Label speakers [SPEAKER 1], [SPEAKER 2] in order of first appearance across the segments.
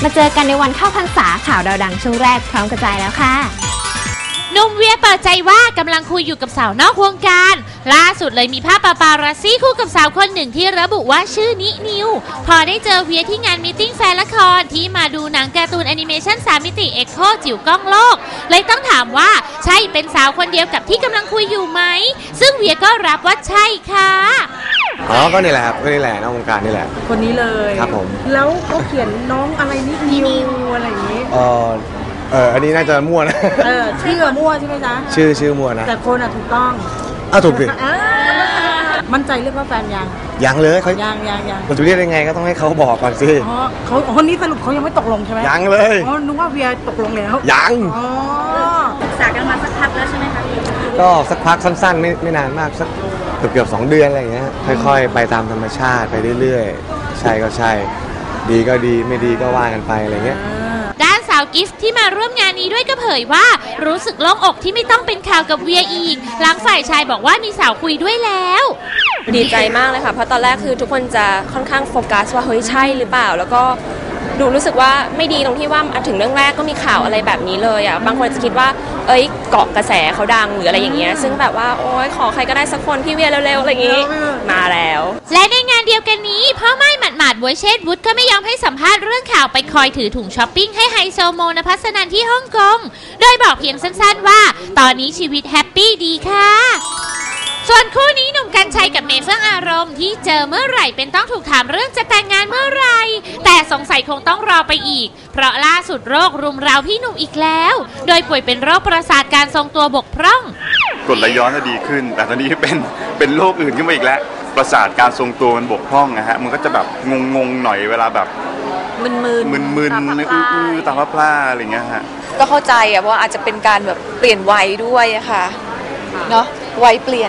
[SPEAKER 1] มาเจอกันในวันเข้าพรรษาข่าวดาวดังช่วงแรกพร้อมกระจายแล้วค่ะ
[SPEAKER 2] หนุ่มเวียเปิดใจว่ากำลังคุยอยู่กับสาวนอกวงการล่าสุดเลยมีภาพปาปารัสซี่คู่กับสาวคนหนึ่งที่ระบุว่าชื่อนินิวพอได้เจอเวียที่งานมีตติ้งแฟนละครที่มาดูหนังการ์ตูนแอนิเมชัน3 มิติเอ็กโคจิ๋วกล้องโลกเลยต้องถามว่าใช่เป็นสาวคนเดียวกับที่กำลังคุยอยู่ไหมซึ่งเวียก็รับว่าใช่ค่ะ
[SPEAKER 3] ก็นี่แหละครับก็นี่แหละนอกวงการนี่แหละ
[SPEAKER 4] คนนี้เลย
[SPEAKER 3] ครับผม
[SPEAKER 4] แล้วเขาเขียนน้องอะไรนินิวอะไรอย่างนี้
[SPEAKER 3] อันนี้น่าจะมั่วนะ
[SPEAKER 4] ชื่อมั่วใช่ไหมจ๊ะ
[SPEAKER 3] ชื่อมั่วนะ
[SPEAKER 4] แต่คนถูกต้อง
[SPEAKER 3] ถูกดิ
[SPEAKER 4] มั่นใจเรียกว่าแฟน
[SPEAKER 3] ยังเลยเขา
[SPEAKER 4] ยัง
[SPEAKER 3] มันจะเรียกยังไงก็ต้องให้เขาบอกก่อนสิ
[SPEAKER 4] เขาคนนี้สรุปเขายังไม่ตกลงใช่ไหม
[SPEAKER 3] ยังเลย
[SPEAKER 4] นึกว่าเวียตกลงแล้ว
[SPEAKER 3] ยัง
[SPEAKER 1] ศึกษากันมาสักพักแล้วใช่ไหมคะ
[SPEAKER 3] ก็สักพักสั้นๆไม่นานมากสักเกือบ2 เดือนอะไรอย่างเงี้ยค่อยๆไปตามธรรมชาติไปเรื่อยๆใช่ก็ใช่ดีก็ดีไม่ดีก็ว่ากันไปอะไรเงี้ย
[SPEAKER 2] ด้านสาวกิฟต์ที่มาร่วมงานนี้ด้วยก็เผยว่ารู้สึกโล่งอกที่ไม่ต้องเป็นข่าวกับเวียอีกหลังฝ่ายชายบอกว่ามีสาวคุยด้วยแล้ว
[SPEAKER 5] ดีใจมากเลยค่ะเพราะตอนแรกคือทุกคนจะค่อนข้างโฟกัสว่าเฮ้ยใช่หรือเปล่าแล้วก็รู้สึกว่าไม่ดีตรงที่ว่าถึงเรื่องแรกก็มีข่าวอะไรแบบนี้เลยอ่ะบางคนจะคิดว่าเกาะกระแสเขาดังหรืออะไรอย่างเงี้ยซึ่งแบบว่าโอ๊ยขอใครก็ได้สักคนพี่เวียเร็วๆอะไรอย่างงี้มาแล้ว
[SPEAKER 2] และในงานเดียวกันนี้พ่อไม่หมาดๆบวยเชษฐ์วุฒิก็ไม่ยอมให้สัมภาษณ์เรื่องข่าวไปคอยถือถุงช้อปปิ้งให้ไฮโซโมนภัสนันที่ฮ่องกงโดยบอกเพียงสั้นๆว่าตอนนี้ชีวิตแฮปปี้ดีค่ะส่วนคู่นี้หนุ่มกรรชัยกับเมย์เฟื่องอารมณ์ที่เจอเมื่อไหร่เป็นต้องถูกถามเรื่องจะแต่งงานเมื่อไหร่แต่สงสัยคงต้องรอไปอีกเพราะล่าสุดโรครุมเร้าพี่หนุ่มอีกแล้วโดยป่วยเป็นโรคประสาทการทรงตัวบกพร่อง
[SPEAKER 6] กรดไหลย้อนจะดีขึ้นแต่ตอนนี้เป็นโรคอื่นขึ้นมาอีกแล้วประสาทการทรงตัวมันบกพร่องนะฮะมันก็จะแบบงงหน่อยเวลาแบบมึนตาพร่าอะไรเงี้ยฮะ
[SPEAKER 5] ก็เข้าใจอ่ะเพราะอาจจะเป็นการแบบเปลี่ยนวัยด้วยอะค่ะเนาะวัยเปลี่ยน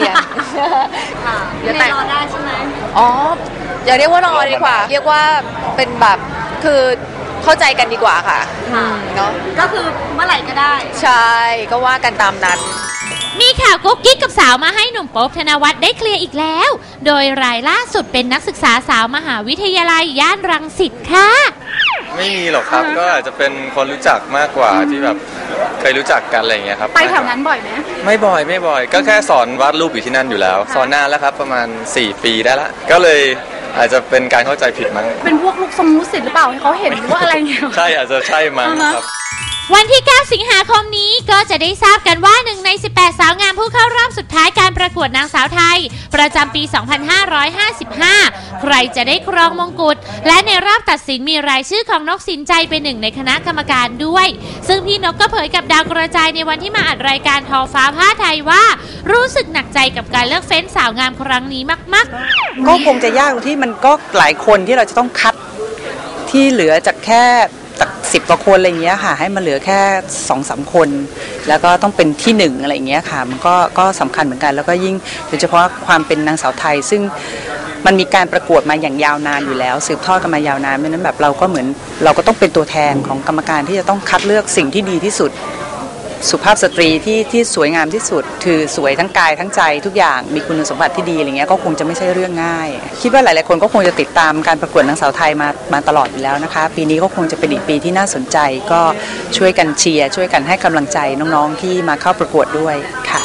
[SPEAKER 1] เดี๋ยวแต่รอได้ใช่ไหม
[SPEAKER 5] อย่าเรียกว่ารอดีกว่าเรียกว่าเป็นแบบคือเข้าใจกันดีกว่าค่ะเนาะ
[SPEAKER 1] ก็คือเมื่อไหร่ก็ได้
[SPEAKER 5] ใช่ก็ว่ากันตามนั้น
[SPEAKER 2] มีข่าวกุ๊กกิ๊กกับสาวมาให้หนุ่มโป๊ปธนวัฒน์ได้เคลียร์อีกแล้วโดยรายล่าสุดเป็นนักศึกษาสาวมหาวิทยาลัยย่านรังสิตค่ะ
[SPEAKER 7] ไม่มีหรอกครับก็อาจจะเป็นคนรู้จักมากกว่าที่แบบเคยรู้จักกันอะไรอย่างเงี้ยครับ
[SPEAKER 1] ไปแถวนั้นบ่อยไหม
[SPEAKER 7] ไม่บ่อยก็แค่สอนวาดรูปอยู่ที่นั่นอยู่แล้วสอนนานแล้วครับประมาณ4 ปีได้ละก็เลยอาจจะเป็นการเข้าใจผิดมั้ง
[SPEAKER 1] เป็นพวกลูกทรงลูกศิษย์หรือเปล่าให้เขาเห็นว่าอะไรเงี้ย
[SPEAKER 7] ใช่อาจจะใช่มั้งครับ
[SPEAKER 2] วันที่ 9 สิงหาคมนี้ก็จะได้ทราบกันว่า1 ใน 18 สาวงามผู้เข้ารอบสุดท้ายการประกวดนางสาวไทยประจำปี 2555 ใครจะได้ครองมงกุฎและในรอบตัดสินมีรายชื่อของนกสินใจเป็นหนึ่งในคณะกรรมการด้วยซึ่งพี่นกก็เผยกับดาวกระจายในวันที่มาอัดรายการทอฟ้าผ้าไทยว่ารู้สึกหนักใจกับการเลือกเฟ้นสาวงามครั้งนี้มาก
[SPEAKER 4] ๆก็คงจะยากตรงที่มันก็หลายคนที่เราจะต้องคัดที่เหลือจากแค่จาก10 กว่าคนอะไรเงี้ยค่ะให้มาเหลือแค่ 2-3 คนแล้วก็ต้องเป็นที่1อะไรเงี้ยค่ะมันก็สำคัญเหมือนกันแล้วก็ยิ่งโดยเฉพาะความเป็นนางสาวไทยซึ่งมันมีการประกวดมาอย่างยาวนานอยู่แล้วสืบทอดกันมายาวนานเพราะนั้นแบบเราก็เหมือนเราก็ต้องเป็นตัวแทนของกรรมการที่จะต้องคัดเลือกสิ่งที่ดีที่สุดสุภาพสตรีที่สวยงามที่สุดคือสวยทั้งกายทั้งใจทุกอย่างมีคุณสมบัติที่ดีอะไรเงี้ยก็คงจะไม่ใช่เรื่องง่ายคิดว่าหลายๆคนก็คงจะติดตามการประกวดนางสาวไทยมาตลอดอยู่แล้วนะคะปีนี้ก็คงจะเป็นอีกปีที่น่าสนใจก็ช่วยกันเชียร์ช่วยกันให้กำลังใจน้องๆที่มาเข้าประกวดด้วยค่ะ